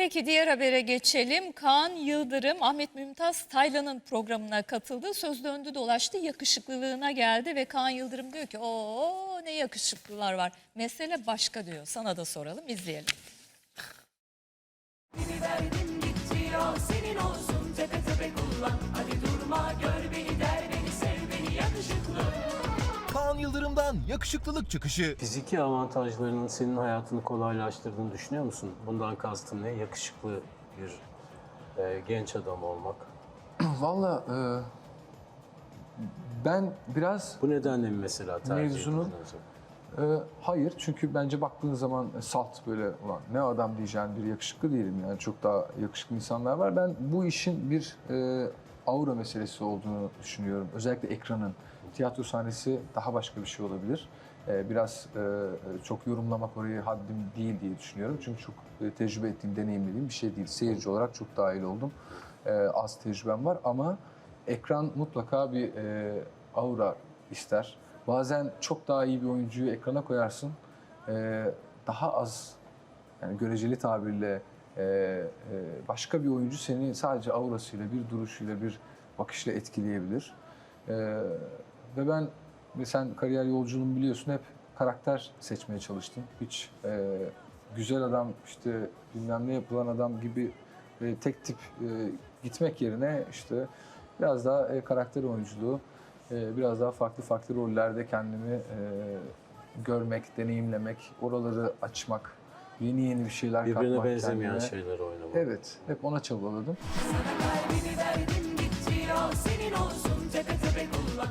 Peki diğer habere geçelim. Kaan Yıldırım, Ahmet Mümtaz Taylan'ın programına katıldı. Söz döndü dolaştı, yakışıklılığına geldi ve Kaan Yıldırım diyor ki o ne yakışıklılar var. Mesele başka diyor. Sana da soralım, izleyelim. Verdim gitti al senin olsun tepe tepe kullan. Hadi durma gör beni der beni sev beni yakışıklı. Kaan Yıldırım'dan yakışıklılık çıkışı. Fiziki avantajlarının senin hayatını kolaylaştırdığını düşünüyor musun? Bundan kastın ne? Yakışıklı bir genç adam olmak. Valla ben biraz Bu nedenle mi mesela tercih Mevzunun- ettin acaba? hayır, çünkü bence baktığın zaman salt böyle ulan ne adam diyeceğin bir yakışıklı değilim, yani çok daha yakışıklı insanlar var. Ben bu işin bir aura meselesi olduğunu düşünüyorum. Özellikle ekranın. Tiyatro sahnesi daha başka bir şey olabilir. Biraz çok yorumlamak orayı haddim değil diye düşünüyorum. Çünkü çok tecrübe ettiğim, deneyimlediğim bir şey değil. Seyirci olarak çok dahil oldum. Az tecrübem var ama ekran mutlaka bir aura ister. Bazen çok daha iyi bir oyuncuyu ekrana koyarsın. Daha az, yani göreceli tabirle başka bir oyuncu seni sadece aurasıyla, bir duruşuyla, bir bakışla etkileyebilir. Ve ben, ve sen kariyer yolculuğumu biliyorsun, hep karakter seçmeye çalıştım. Hiç güzel adam, işte bilmem ne yapılan adam gibi tek tip gitmek yerine işte biraz daha karakter oyunculuğu, biraz daha farklı rollerde kendimi görmek, deneyimlemek, oraları açmak, yeni bir şeyler katmak Birbirine benzemeyen kendime. şeyler oynamak. Evet, hep ona çabaladım. Kalbimi verdim gitti al senin olsun tepe tepe kullan.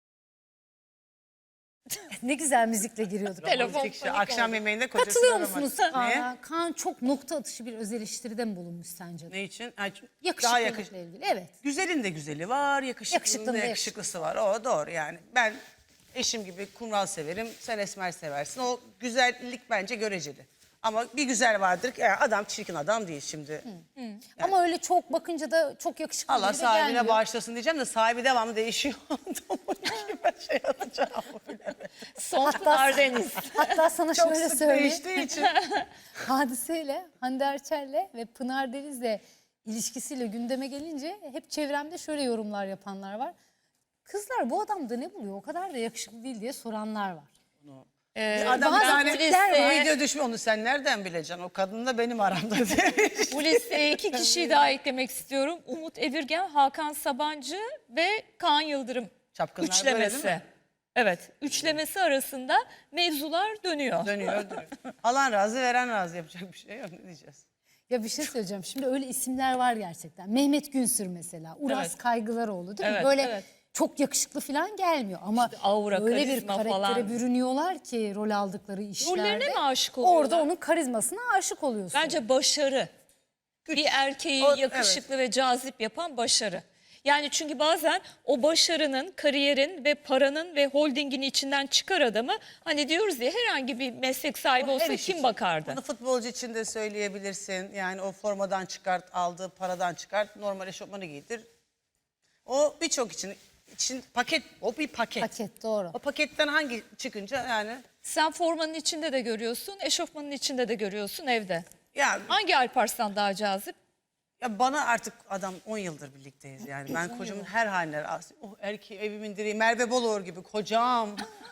Ne güzel müzikle giriyorduk. Telefon Politik şey, panik akşam oldu. yemeğinde kocasını Katılıyor aramadı. musunuz Ne? Kaan'a? Kaan çok nokta atışı bir öz eleştiride mi bulunmuş sence? Ne için? Ay, daha Yakışıklılıkla ilgili. Evet. Güzelin de güzeli var, yakışıklının Yakışıklının da da yakışıklısı var. O doğru yani. Ben eşim gibi kumral severim, sen esmer seversin. O güzellik bence göreceli. Ama bir güzel vardır ki yani adam çirkin adam değil şimdi. Ama öyle çok bakınca da çok yakışıklı Allah biri de sahibine gelmiyor. bağışlasın diyeceğim de sahibi devamlı değişiyor. Ben şey yapacağım. Son Pınar Deniz. Hatta sana Çok şöyle sık söyleyeyim. değiştiği için. Hadiseyle, Hande Erçel'le ve Pınar Deniz'le ilişkisiyle gündeme gelince hep çevremde şöyle yorumlar yapanlar var. Kızlar bu adamda ne buluyor? O kadar da yakışıklı değil diye soranlar var. Adam bazı bir tane kulüpler var. video düşmüş, onu sen nereden bileceksin? O kadınla benim aramda demiş. Bu listeye 2 kişiyi daha eklemek istiyorum. Umut Evirgen, Hakan Sabancı ve Kaan Yıldırım. Çapkınlar böyle Üçlemesi. değil mi? Evet, üçlemesi arasında mevzular dönüyor. Dönüyor. Alan razı, veren razı, yapacak bir şey yok. Ne diyeceğiz? Ya bir şey söyleyeceğim. Şimdi öyle isimler var gerçekten. Mehmet Günsür mesela. Uras Evet. Kaygılaroğlu değil mi? Evet, Böyle evet. çok yakışıklı falan gelmiyor. Ama aura, öyle bir karizma karaktere falan. bürünüyorlar ki rol aldıkları işlerde. Rollerine mi aşık oluyorlar? Orada onun karizmasına aşık oluyorsun. Bence başarı. Bir erkeği O- yakışıklı ve cazip yapan başarı. Yani çünkü bazen o başarının, kariyerin ve paranın ve holdingin içinden çıkar adamı. Hani diyoruz ya, herhangi bir meslek sahibi Her olsa iş kim için. bakardı? Bunu futbolcu için de söyleyebilirsin. Yani o formadan çıkart, aldığı paradan çıkart, normal eşofmanı giydir. O birçok için paket, o bir paket. Paket, doğru. O paketten hangi çıkınca yani Sen formanın içinde de görüyorsun, eşofmanın içinde de görüyorsun evde. ya, Hangi Alparslan daha cazip? ya bana artık adam 10 yıldır birlikteyiz yani. Ben kocamın her haline razı. O erkeği evimin direği Merve Boluğur gibi kocam.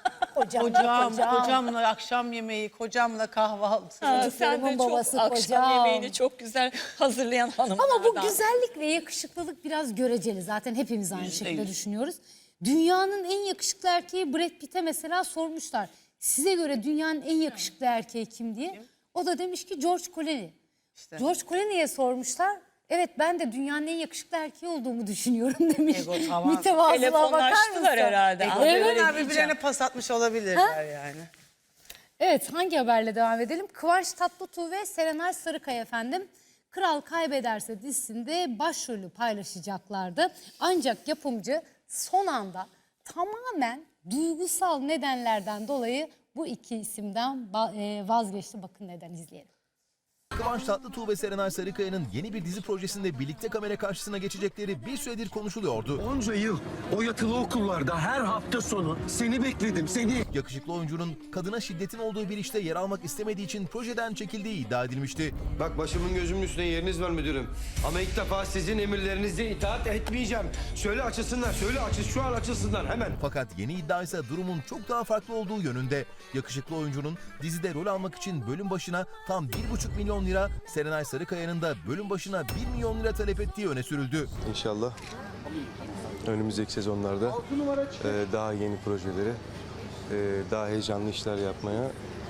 Kocamla akşam yemeği, kocamla kahvaltı. Ha, sen de Çocuklarımın çok babası akşam kocam. yemeğini çok güzel hazırlayan hanımlardan. Ama bu güzellik ve yakışıklılık biraz göreceli. Zaten hepimiz aynı şekilde %100. düşünüyoruz. Dünyanın en yakışıklı erkeği Brad Pitt'e mesela sormuşlar. Size göre dünyanın en yakışıklı erkeği kim diye. O da demiş ki George Clooney. İşte. George Clooney'e sormuşlar. Evet, ben de dünyanın en yakışıklı erkeği olduğumu düşünüyorum demiş. Ego tavan. Mütevazılığa bakar mısın? Telefonlaştılar herhalde. Ego Evet. birbirine, birbirlerine pas atmış olabilirler yani. Evet, hangi haberle devam edelim? Kıvanç Tatlıtuğ ve Serenay Sarıkaya efendim Kral Kaybederse dizisinde başrolü paylaşacaklardı. Ancak yapımcı son anda tamamen duygusal nedenlerden dolayı bu iki isimden vazgeçti. Bakın neden, izleyelim. Kıvanç Tatlıtuğ ve Serenay Sarıkaya'nın yeni bir dizi projesinde birlikte kamera karşısına geçecekleri bir süredir konuşuluyordu. Onca yıl o yatılı okullarda her hafta sonu seni bekledim, seni. Yakışıklı oyuncunun kadına şiddetin olduğu bir işte yer almak istemediği için projeden çekildiği iddia edilmişti. Bak başımın gözümün üstüne yeriniz var müdürüm. Ama ilk defa sizin emirlerinize itaat etmeyeceğim. Söyle açılsınlar, şu an açılsınlar hemen. Fakat yeni iddia ise durumun çok daha farklı olduğu yönünde. Yakışıklı oyuncunun dizide rol almak için bölüm başına tam 1,5 milyon lira, Serenay Sarıkaya'nın da bölüm başına 1 milyon lira talep ettiği öne sürüldü. İnşallah önümüzdeki sezonlarda daha yeni projeleri, daha heyecanlı işler yapmaya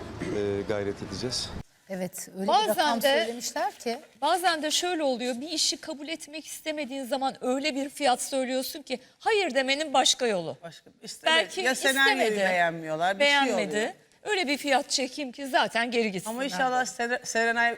gayret edeceğiz. Evet, öyle Bazen bir rakam de- söylemişler ki. Bazen de şöyle oluyor, bir işi kabul etmek istemediğin zaman öyle bir fiyat söylüyorsun ki hayır demenin başka yolu. Başka istemedi. Belki Ya senaryoyu istemedi, beğenmiyorlar, bir şey oluyor. beğenmedi. Öyle bir fiyat çekeyim ki zaten geri gitsinler. Ama inşallah Serenay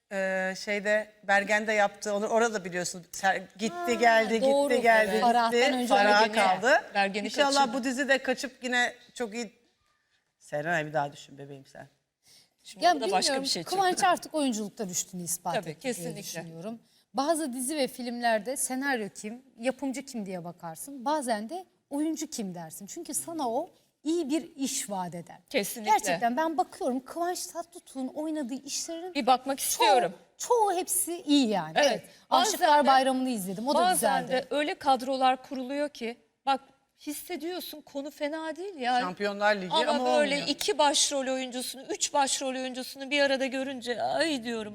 şeyde Bergen'de yaptı. Onu orada biliyorsun. Gitti geldi, doğru, gitti geldi, evet. gitti. Farah'tan önce Farah'a Bergen'i- kaldı. Bergen'i İnşallah kaçırdı. bu dizi de kaçıp yine çok iyi. Serenay bir daha düşün bebeğim sen. Şimdi Ya o da başka bilmiyorum, bir şey Kıvanç çıktı. artık oyunculukta düştüğünü ispat Tabii, etti diye kesinlikle. düşünüyorum. Bazı dizi ve filmlerde senaryo kim, yapımcı kim diye bakarsın. Bazen de oyuncu kim dersin. Çünkü sana o iyi bir iş vaat eder. Kesinlikle. Gerçekten ben bakıyorum Kıvanç Tatlıtuğ'un oynadığı işlerin Bir bakmak istiyorum. çoğu hepsi iyi yani. Evet. Evet. Bazen Aşıklar de- Bayramı'nı izledim. O da Bazen güzeldi. de öyle kadrolar kuruluyor ki bak hissediyorsun konu fena değil ya. Şampiyonlar Ligi ama ama böyle olmuyor. 2 başrol oyuncusunu, 3 başrol oyuncusunu bir arada görünce ay diyorum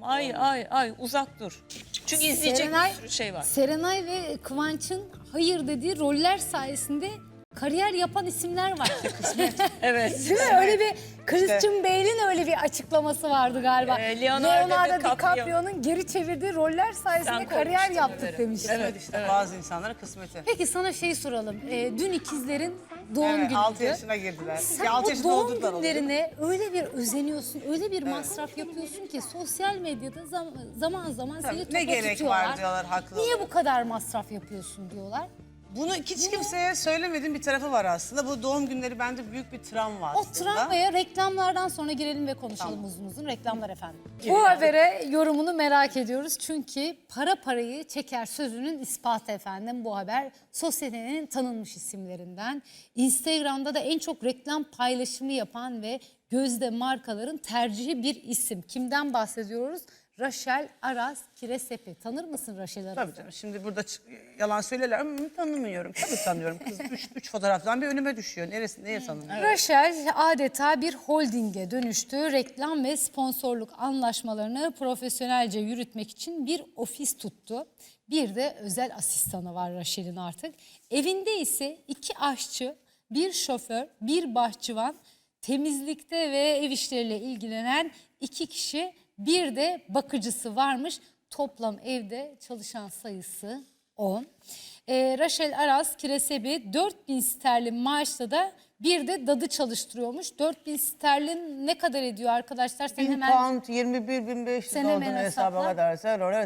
ay uzak dur. Çünkü izleyecek bir sürü şey var. Serenay ve Kıvanç'ın hayır dediği roller sayesinde kariyer yapan isimler var. Evet. Değil mi? Öyle bir Christian Bale'in öyle bir açıklaması vardı galiba. Leonardo DiCaprio'nun geri çevirdiği roller sayesinde Sen kariyer koymuştun yaptık haberi. demiş. Evet işte bazı insanların kısmeti. Peki sana şey soralım. Dün ikizlerin doğum Evet, günüydü. 6 yaşına girdiler. Sen Ya, 6 bu yaşında doğum oldular onu. günlerine öyle bir özeniyorsun, öyle bir masraf yapıyorsun ki sosyal medyada zaman zaman seni topa ne gerek tutuyorlar. var diyorlar, haklı Niye olarak. bu kadar masraf yapıyorsun diyorlar. Bunu hiç kimseye söylemediğim bir tarafı var aslında. Bu doğum günleri bende büyük bir travma O aslında. travmaya reklamlardan sonra girelim ve konuşalım uzun uzun. Reklamlar efendim. Bu habere yorumunu merak ediyoruz. Çünkü para parayı çeker sözünün ispatı efendim bu haber. Sosyetenin tanınmış isimlerinden. Instagram'da da en çok reklam paylaşımı yapan ve gözde markaların tercihi bir isim. Kimden bahsediyoruz? Rachel Aras Kiresepi. Tanır mısın Rachel Aras'ı? Tabii canım. Şimdi burada yalan söylerler ama tanımıyorum. Tabii tanıyorum. Kız üç fotoğraftan bir önüme düşüyor. Neye tanımıyorum? Rachel adeta bir holdinge dönüştü. Reklam ve sponsorluk anlaşmalarını profesyonelce yürütmek için bir ofis tuttu. Bir de özel asistanı var Rachel'in artık. Evinde ise 2 aşçı, 1 şoför, 1 bahçıvan, temizlikte ve ev işleriyle ilgilenen 2 kişi, bir de bakıcısı varmış. Toplam evde çalışan sayısı 10. Rachel Aras Kiresebi 4.000 sterlin maaşla da bir de dadı çalıştırıyormuş. 4.000 sterlin ne kadar ediyor arkadaşlar? Sen 1000 hemen pound 21.500 Sen hemen olduğunu hesaba hesapla. kadarsa oraya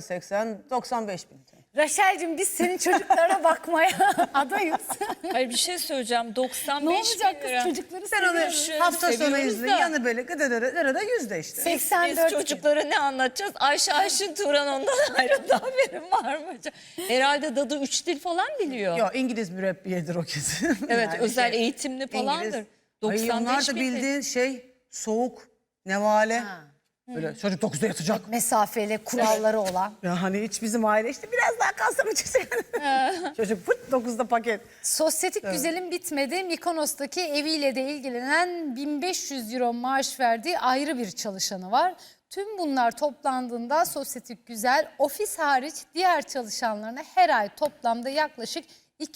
95 bin. Rachel'cim biz senin çocuklara bakmaya adayız. Hayır bir şey söyleyeceğim. 95 Ne olacak bin kız lira. çocukları Sen onu seviyoruz. hafta sonu seviyoruz izle. da. Yanı böyle gıdırı yüzde işte. 84 Biz çocuklara ne anlatacağız? Ayşe Turan ondan ayrı da haberim var mı? Herhalde dadı 3 dil falan biliyor. Yok İngiliz mürebbiyedir o kesin. Evet Yani özel eğitimli falandır. İngiliz. 95 Ay, onlar da bin bildiğin şey soğuk, nevale. Böyle çocuk 9'da yatacak. mesafeli kuralları olan. Ya hani hiç bizim aile işte biraz daha kalsa mı çıksın? Çocuk pıt 9'da paket. Sosyetik güzelim bitmedi. Mikonos'taki eviyle de ilgilenen 1500 euro maaş verdiği ayrı bir çalışanı var. Tüm bunlar toplandığında sosyetik güzel ofis hariç diğer çalışanlarına her ay toplamda yaklaşık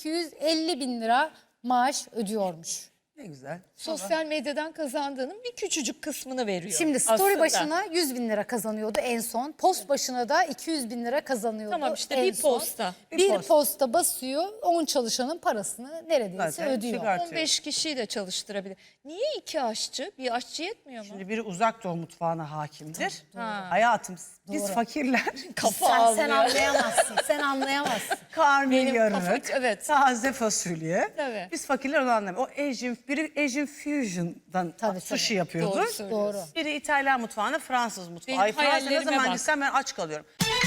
250 bin lira maaş ödüyormuş. Ne güzel. Sosyal medyadan kazandığının bir küçücük kısmını veriyor. Şimdi story aslında. başına 100 bin lira kazanıyordu en son. Post başına da 200 bin lira kazanıyordu. Tamam işte en bir son. posta. Bir posta basıyor 10 çalışanın parasını neredeyse Zaten ödüyor. çıkartıyor. 15 kişiyi de çalıştırabilir. Niye 2 aşçı? Bir aşçı yetmiyor mu? Şimdi biri uzak doğu mutfağına hakimdir. Ha. Hayatım biz fakirler Kafa Sen ağlıyor. anlayamazsın. Sen anlayamazsın. karnıyarık, kafa- evet. taze fasulye. Tabii. Biz fakirler onu anlamıyoruz. O biri Asian Fusion'dan Tabii, sushi tabii. yapıyordu. Doğru söylüyorsun. Doğru. Biri İtalyan mutfağına Fransız mutfağı. Benim Ay Fransa'ya ne hayallerime zaman bak. gitsem ben aç kalıyorum.